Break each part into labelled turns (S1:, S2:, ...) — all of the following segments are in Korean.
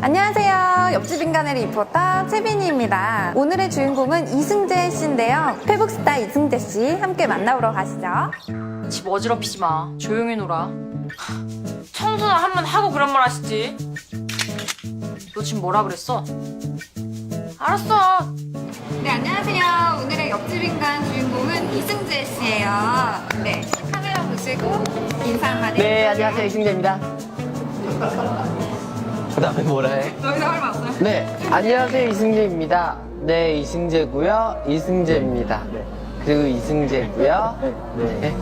S1: 안녕하세요. 옆집 인간의 리포터 채빈이입니다. 오늘의 주인공은 이승재 씨인데요. 페북스타 이승재 씨 함께 만나보러 가시죠.
S2: 집 어지럽히지 마. 조용히 놀아. 청소나 한 번 하고 그런 말 하시지. 너 지금 뭐라 그랬어? 알았어.
S1: 네, 안녕하세요. 오늘의 옆집 인간 주인공은 이승재 씨예요. 네, 카메라 보시고 인사 한마디.
S3: 네, 안녕하세요. 이승재입니다. 그 다음에 뭐라 해?
S1: 너희 다 얼마 없어요?
S3: 네, 안녕하세요. 이승재입니다. 네, 이승재고요. 이승재입니다. 그리고 이승재고요. 네.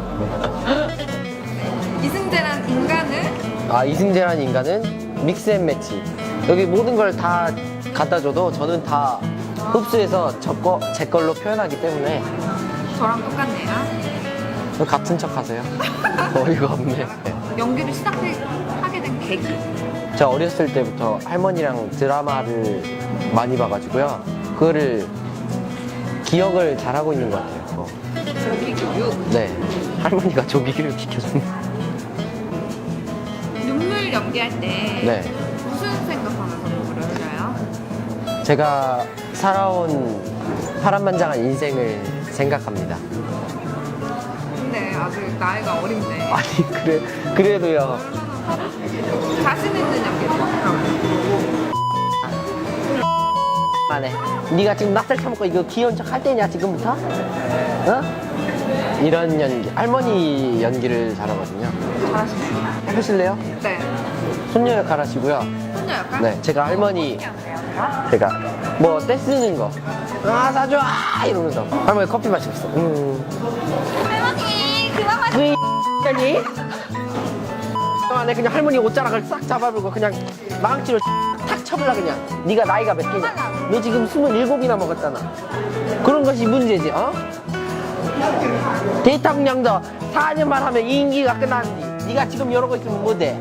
S1: 이승재란 인간은
S3: 아, 이승재라는 인간은 믹스앤매치. 여기 모든 걸 다 갖다 줘도 저는 다 흡수해서 제 걸로 표현하기 때문에
S1: 저랑 똑같네요.
S3: 같은 척 하세요. 어이가 없네.
S1: 연기를 시작하게 된 계기.
S3: 제가 어렸을 때부터 할머니랑 드라마를 많이 봐가지고요. 그거를 기억을 잘하고 있는 것 같아요.
S1: 조기 교육.
S3: 네. 할머니가 조기교육 시켜줬네.
S1: 눈물 연기할 때
S3: 네.
S1: 무슨 생각하면서 눈물을 흘려요?
S3: 제가 살아온 파란만장한 인생을 생각합니다.
S1: 근데 아직 나이가 어린데
S3: 아니, 그래도요.
S1: 자신 있는 연기를 하더라고요.
S3: 안해. 네가 지금 낯살 처먹고 이거 귀여운 척 할 때냐, 지금부터? 어? 이런 연기. 할머니 연기를 잘하거든요.
S1: 잘하시네요.
S3: 해보실래요?
S1: 네.
S3: 손녀 역할 하시고요.
S1: 손녀 역할?
S3: 네, 제가 할머니,
S1: 안녕하세요.
S3: 제가 뭐 떼쓰는 거. 아, 사줘! 아! 이러면서. 할머니 커피 마시고 있어.
S1: 할머니 그만 마시.
S3: 왜 이***니? 안에 그냥 할머니 옷자락을 싹 잡아불고 그냥 망치로 탁 쳐볼라 그냥. 네가 나이가 몇 개냐? 너 지금 27이나 먹었잖아. 그런 것이 문제지, 어? 대통령도 4년만 하면 임기가 끝나는데 네가 지금 이러고 있으면 못해.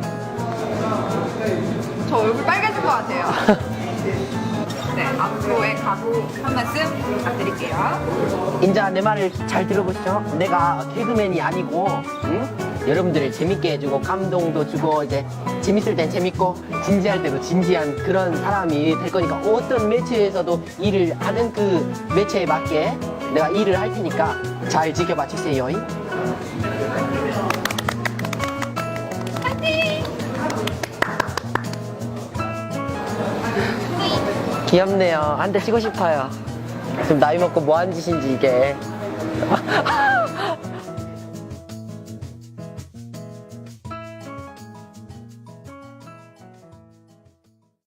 S1: 저 얼굴 빨개질 것 같아요. 네, 앞으로의 각오 한 말씀 부탁드릴게요.
S3: 인자 내 말을 잘 들어보시죠. 내가 개그맨이 아니고, 응? 여러분들을 재밌게 해주고 감동도 주고 이제 재밌을 땐 재밌고 진지할 때도 진지한 그런 사람이 될 거니까 어떤 매체에서도 일을 하는 그 매체에 맞게 내가 일을 할 테니까 잘 지켜봐 주세요. 귀엽네요. 한 대 치고 싶어요. 지금 나이 먹고 뭐 하는 짓인지 이게.